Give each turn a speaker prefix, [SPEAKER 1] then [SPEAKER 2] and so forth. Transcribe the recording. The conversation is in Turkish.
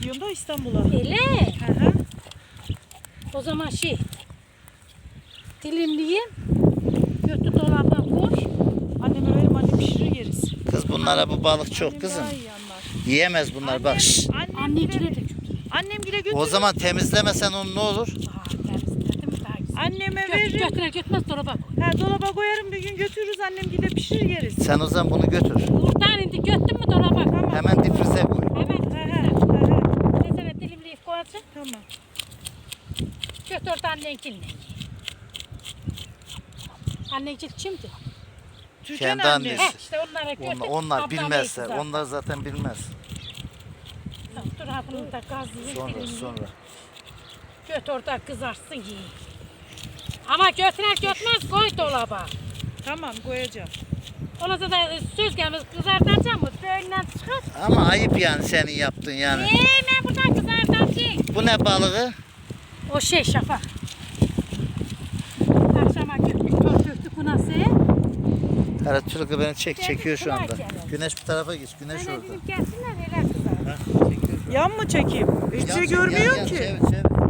[SPEAKER 1] gidiyorum da İstanbul'a.
[SPEAKER 2] Öyle.
[SPEAKER 1] Hı hı.
[SPEAKER 2] O zaman dilimleyeyim. Götü dolaba koy.
[SPEAKER 1] Anneme verim, annem pişirir yeriz.
[SPEAKER 3] Kız bunlara bu balık çok
[SPEAKER 1] Annem
[SPEAKER 3] kızım.
[SPEAKER 1] daha iyi anlar.
[SPEAKER 3] Yiyemez bunlar bak. şşt.
[SPEAKER 2] Annemcile de götür.
[SPEAKER 1] Annemgile götürür.
[SPEAKER 3] O zaman temizlemesen onu ne olur?
[SPEAKER 2] Temizledim daha güzel.
[SPEAKER 1] Anneme veririm.
[SPEAKER 2] Götürmez dolaba koy.
[SPEAKER 1] Ha, dolaba koyarım, bir gün götürürüz, annemgile pişirir yeriz.
[SPEAKER 3] Sen o zaman bunu götür.
[SPEAKER 2] Buradan indi götün mü dolaba koy.
[SPEAKER 3] Hemen difrize koy.
[SPEAKER 2] Evet.
[SPEAKER 1] He he he.
[SPEAKER 2] Nesene dilimleyip koyacaksın.
[SPEAKER 1] Tamam.
[SPEAKER 2] Götür orada annenkilini. Annenkil kimdi?
[SPEAKER 1] Türkan
[SPEAKER 3] Kendi
[SPEAKER 1] anne.
[SPEAKER 3] annesi.
[SPEAKER 2] İşte onlara götür.
[SPEAKER 3] Onlar
[SPEAKER 2] ablam
[SPEAKER 3] bilmezler.
[SPEAKER 2] neydi
[SPEAKER 3] Onlar zaten bilmez.
[SPEAKER 2] zaten. Dur ha bunu da gazlayayım.
[SPEAKER 3] Sonra
[SPEAKER 2] dilimleyeyim.
[SPEAKER 3] sonra.
[SPEAKER 2] Göt orada kızarsın yiyin. Ama götmez koy dolaba.
[SPEAKER 1] Tamam, koyacağım.
[SPEAKER 2] Ona da söz gelmez kızartacağım mı? Böyleden çıkar.
[SPEAKER 3] Ama ayıp yani senin yaptığın yani.
[SPEAKER 2] Ben buradan kızartacağım.
[SPEAKER 3] Bu ne balığı?
[SPEAKER 2] O Şafak. Akşama döktük bu nasıl?
[SPEAKER 3] Hele Türk'ü beni çekiyor şu anda.
[SPEAKER 2] Gel.
[SPEAKER 3] Güneş bu tarafa geç. Güneş
[SPEAKER 2] Öyle
[SPEAKER 3] orada.
[SPEAKER 2] dedim gelsinler neler kızar.
[SPEAKER 3] Ha, çekiyor şu an.
[SPEAKER 1] Yan mı çekeyim? Hiçbir şey
[SPEAKER 3] Yan,
[SPEAKER 1] görmüyor
[SPEAKER 3] yan,
[SPEAKER 1] ki.
[SPEAKER 3] Çevir çevir.